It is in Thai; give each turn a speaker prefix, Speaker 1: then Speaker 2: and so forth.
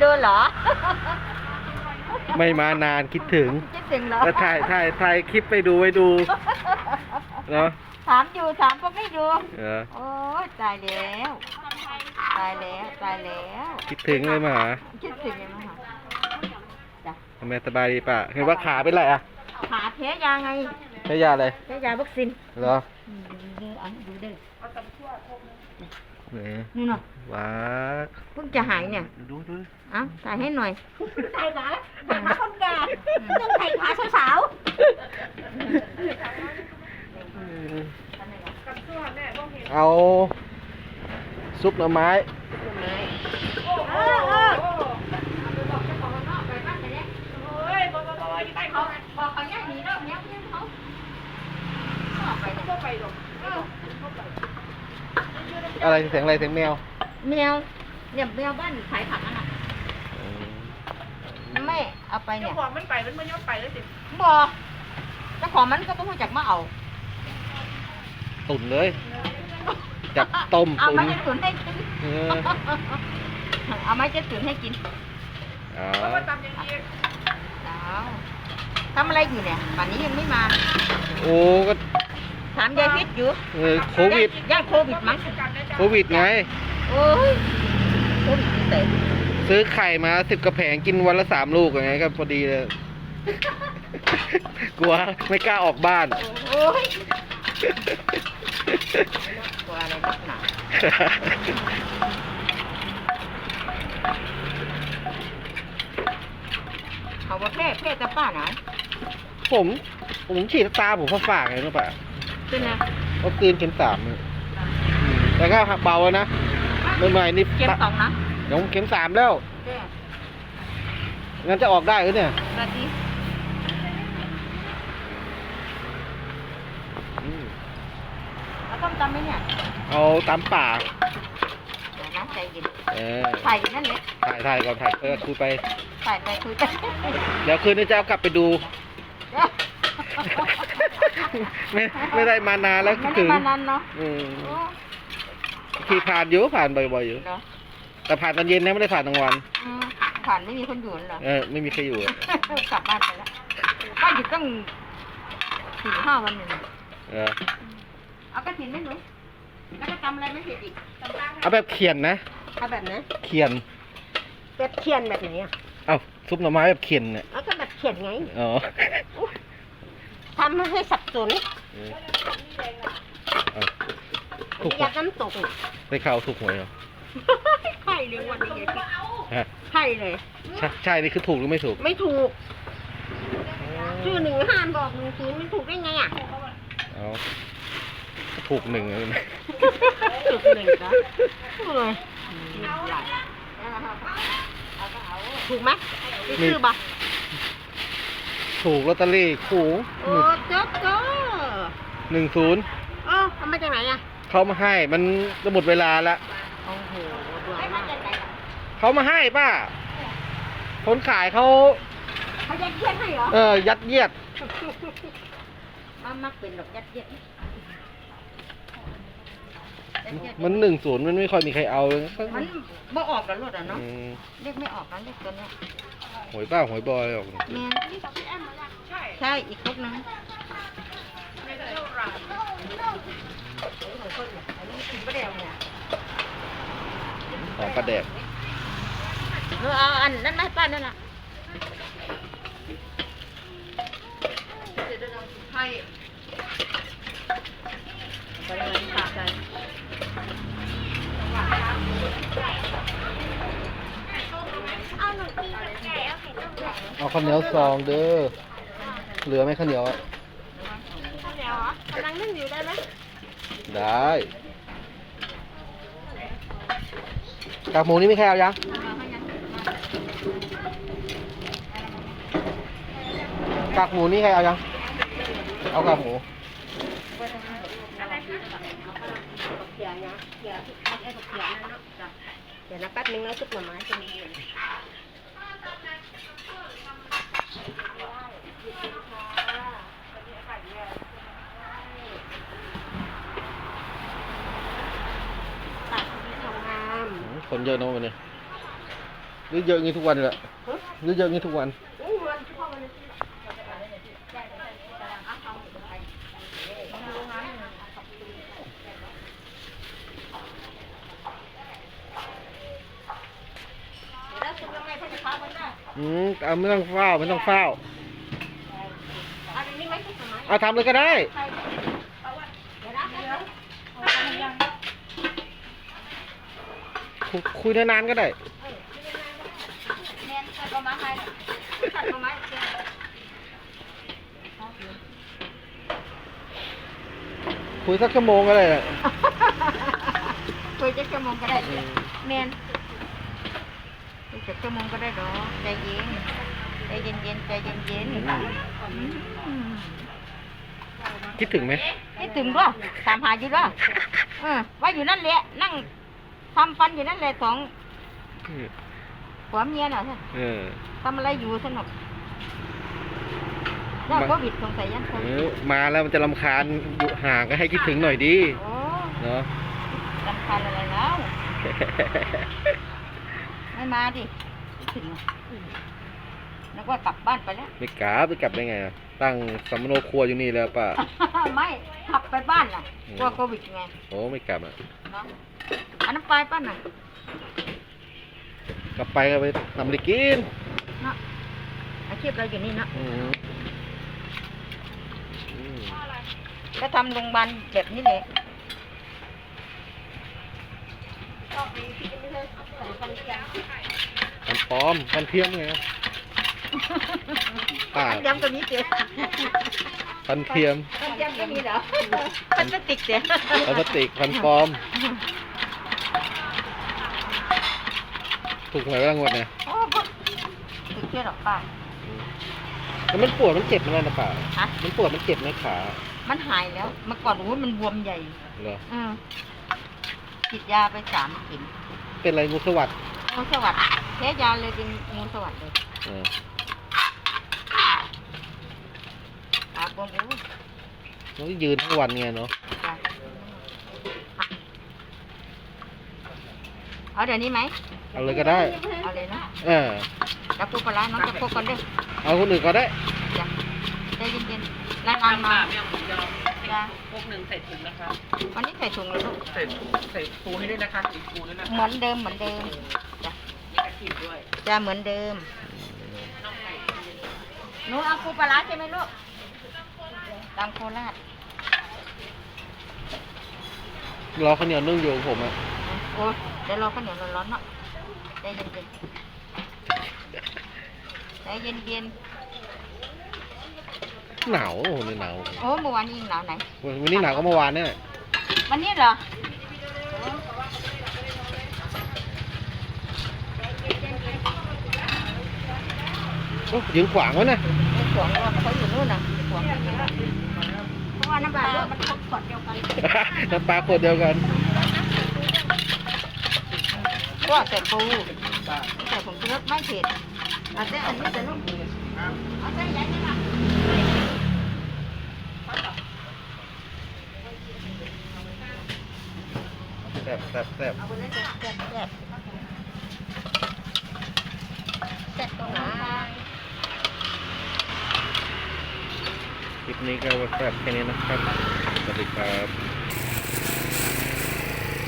Speaker 1: ดูเหรอ
Speaker 2: ไม่มานานคิดถึง
Speaker 1: เหรอ
Speaker 2: แล้วถ่ายคลิปไปดูเนาะ
Speaker 1: ถามอยู่ถามก็ไม่ดูโอ้ยตายแล้ว
Speaker 2: คิดถึงเลยมาหา
Speaker 1: คิดถึงเลยมาหาจ้ะ
Speaker 2: ทำไมสบายดีป่ะเห็นว่าขาเป็นไรอ่ะ
Speaker 1: ขาแพ้ยาไง
Speaker 2: แพ้ยาอะไร
Speaker 1: แพ้ยาวัคซีน
Speaker 2: เหรอ
Speaker 1: ดูเด้อ
Speaker 2: นี่
Speaker 1: น่ะ
Speaker 2: ว้า
Speaker 1: เพิ่งจะหายเนี่ย
Speaker 2: ดู
Speaker 1: เอ้าถ่ายให้หน่อยถ่ายขาคนแก่ต้องถ่ายขาสาว
Speaker 2: เอาซุปหน่อไม้อะไรเสียงอะไรเสียงแมว
Speaker 1: เนี่ยแมวบ้านขายผักอ่ะแม่เอาไปเนี่ย
Speaker 3: เจ้าของมันไปมันไม่ยอมไปเลยสิ
Speaker 1: บอกเจ้าของมันก็ไม่รู้จักมาเอา
Speaker 2: ตุ๋นเลยจับต้ม
Speaker 1: เอาไม้จะตุ๋นให้กินเอาไม้จะตุ๋นให้กิน
Speaker 3: แล้วมาทำอย่างนี้
Speaker 1: ทำอะไรอยู่เนี่ยป่านนี้ยังไม่มา
Speaker 2: โอ้ก็
Speaker 1: ถามยายพิษอยู่
Speaker 2: โควิด
Speaker 1: ย่าโควิดมั้ง
Speaker 2: โควิดไง
Speaker 1: โอ้ยโควิดเตะ
Speaker 2: ซื้อไข่มา10 กระแผงกินวันละ3 ลูกอย่างไงก็พอดีเลยกลัวไม่กล้าออกบ้าน
Speaker 1: โอ้ยกลัวอะไรนักหนาเขาว่าแพร่จะป้าไหน
Speaker 2: ผมฉีดตาผมฝากไงรู้ป่ะ
Speaker 1: เป็นไง
Speaker 2: วัคซีนเข็ม 3แต่ก็เบานะใหม่ๆนี่
Speaker 1: เข็ม 2นะ
Speaker 2: ยังเข็ม 3แล้วงั้นจะออกได้หรือเนี่ย
Speaker 1: เอาต้มตำไหมเนี่ย
Speaker 2: เอาตำป่า
Speaker 1: น้ำใจเย็นถ่ายนั่นเลย
Speaker 2: ถ่ายก่อนถ่ายคุยไป
Speaker 1: ถ่ายไปคุยไป
Speaker 2: เดี๋ยวคืนนี้จะเอากลับไปดูไม่ได้มานานแล้ว
Speaker 1: ถึงมานานเนาะ
Speaker 2: ขี่ผ่านบ่อยๆอยู่แต่ผ่านตอนเย็นนะไม่ได้ผ่านกลางวัน
Speaker 1: ผ่านไม่มีคนอยู่เหรอ
Speaker 2: ไม่มีใครอยู่
Speaker 1: กลับบ้านไปแล้วก็หยุดตั้ง4-5 วันหนึ่งเอากระถิ่นไหมหนูแล้วก็ทำอะไรไม่เผ็ดอีก
Speaker 2: เอาแบบเขียนนะ
Speaker 1: เอาแบบไหน
Speaker 2: เขียน
Speaker 1: แบบเขียนแบบไหนอ่ะ
Speaker 2: เอาซุปหน่อไม้แบบเขียนเนี่ย
Speaker 1: ก็แบบเขียนไง
Speaker 2: อ๋อ
Speaker 1: ทำให้สับสนอยากน้ำตก
Speaker 2: ได้ข่าวถูกหวยเหรอ
Speaker 1: ใช่เลยวันนี้ใช่เลย
Speaker 2: ใช่นี่คือถูกหรือไม่ถูก
Speaker 1: ไม่ถูกชื่อ15บอก10มันถูกได้ไงอ่ะ
Speaker 2: ถูก1เลยนะ
Speaker 1: ถูก1จ้ะเลยถูกไหมชื่อบ่
Speaker 2: ถูกลอตเตอรี่ขู่
Speaker 1: โอ้เจ๊
Speaker 2: 10
Speaker 1: ทำมาจากไหนอ่ะ
Speaker 2: เขามาให้มันจะหมดเวลาแล้ว
Speaker 1: โอ้โห
Speaker 2: เขามาให้ป้าคนขายเขา
Speaker 1: ยัดเยียดให้เหรอ
Speaker 2: ยัดเยียด
Speaker 1: มักเป็นหรอกยัดเยียด
Speaker 2: มัน10มันไม่ค่อยมีใครเอาเลย
Speaker 1: มันบ่ออกแล้วรถอ่ะเนาะเรียกไม่ออกแล้วเรียกตัวเนี้ย
Speaker 2: หวยป้าหวยบอยออก
Speaker 1: ใช่อีกครบนึง
Speaker 2: ของปลาแดก
Speaker 1: เอาอันนั้นไม่ป้านั่นแหละให้ไปเลยตาใจ
Speaker 2: เอาข้าวเหนียวซองเด้อเหลือไหมข้าวเหนียว
Speaker 1: ข้าวเหนียวกำลังนึ่งอยู่ได้ไหม
Speaker 2: ได้กากหมูนี่ไม่แค่เอายังกากหมูนี่ใครเอายังเอากากหมู
Speaker 1: เดี๋ยวนะแป๊บนึงนะซุปหน่อไม้จะมี
Speaker 2: คนเยอะนะวันนี้หรือเยอะงี้ทุกวันเลยหรือเยอะงี้ทุกวันเอาไม่ต้องเฝ้าไม่ต้องเฝ้าเอาทำเลยก็ได้คุยนานๆก็ได้คุยสักชั่วโมงก็ได้
Speaker 1: คุยจะชั่วโมงก็ได้แมนคุยจะชั่วโมงก็ได้หรอใจเย็นใจเย็นเย็นใจเย็นเย็น
Speaker 2: คิดถึงไหม
Speaker 1: คิดถึงด้วยถามหาอยู่ด้วยว่าอยู่นั่นแหละนั่งทำฟันอยู่นั่นแหละสองผัวเมียน่ะทำอะไรอยู่สนุกแล้วโควิดสงสัยยัง
Speaker 2: มาแล้วมันจะรำคาญอยู่ห่างก็ให้คิดถึงหน่อยดีเนาะ
Speaker 1: รำคาญอะไรแล้วไม่มาดิคิดถึงแล้วก็กลับบ้านไปแล้ว
Speaker 2: ไม่กลับได้ไงตั้งสำโนครัวอยู่นี่แล้วป่ะ
Speaker 1: ไม่ขับไปบ้านน่ะกลัวโควิดไง
Speaker 2: โอ้ไม่กลับ
Speaker 1: เนาะอันนั้นไปป้าน่ะ
Speaker 2: กลับไปก็ไปทำอะไรกิน
Speaker 1: เนาะอาชีพเราอยู่นี่เนาะก็ทำโรงพยาบาลแบบนี้เลย
Speaker 2: กันปลอมกันเทียมไง
Speaker 1: ย้ำตัวนี้เจ๊
Speaker 2: พันเทียม
Speaker 1: ก็มีเหรอพันพลาสติกเจ๊
Speaker 2: พลาสติกพันปลอมถูกหวยรางวัลเนี่ย
Speaker 1: ถูกเชื่อหรอป้า
Speaker 2: แล้วมันปวดมันเจ็บไหมนะป้ามันปวดมันเจ็บไหมขา
Speaker 1: มันหายแล้วเมื่อก่อนมันบวมใหญ่
Speaker 2: เหรอ
Speaker 1: ฉีดยาไป3 เข็ม
Speaker 2: เป็นอะไรงูสวัสดิ์
Speaker 1: งูสวัสดิ์แพ้ยาเลยเป็นงูสวัสดิ์เลยบวม
Speaker 2: เรายืนทั้งวันไงเนาะ
Speaker 1: เอาเดี๋ยวนี้ไหม
Speaker 2: เอาเลยก็ได้
Speaker 1: เอาเลยนะ
Speaker 2: จะ
Speaker 1: พูดปลาน้องจะพูดกันด้วย
Speaker 2: เอาคนอื่นก็ได้
Speaker 1: ใจเย็นๆร้านมา
Speaker 3: พวกหนึ่งใส่ถุงนะคะ
Speaker 1: วันนี้ใส่ถุงเลยลูก
Speaker 3: ใส่ปูให้ด้วยนะคะอีกปูด้วยนะ
Speaker 1: เหมือนเดิมจ้ะจะเหมือนเดิมหนูเอาปูปลาใช่ไหมลูกตามโคราช
Speaker 2: รอข้าวเหนียวนึ่งอยู่ผม
Speaker 1: โอ้เดี๋ยวรอข้าวเหนียวร้อนๆเนาะใจเย็นใจเย็น
Speaker 2: หนาวโอ้ยหนาว
Speaker 1: โอ้เมื่อวานนี้หนาวไหน
Speaker 2: วันนี้หนาวก็เมื่อวานเนี่ย
Speaker 1: วันนี้เหรอ
Speaker 2: ยืนขวางไว้นะ
Speaker 1: ขวางว่าเขาอยู่นู่นน่ะขวางเพราะว่าน้ำปลามันขวดเดียวกัน
Speaker 2: น้ำปลาขวดเดียวกัน
Speaker 1: ก็แต่ปูแต่ผมกินรสไม่เผ็ดเอาแต่อันนี้แต่ลูกเอาแต่ใหญ่นี่ค่ะ
Speaker 2: แซ่บ
Speaker 1: เอาไปเลยแซ่บตรงไหน
Speaker 2: คลิปนี้ก็แซ่บแค่นี้นะครับสวัสดีครับ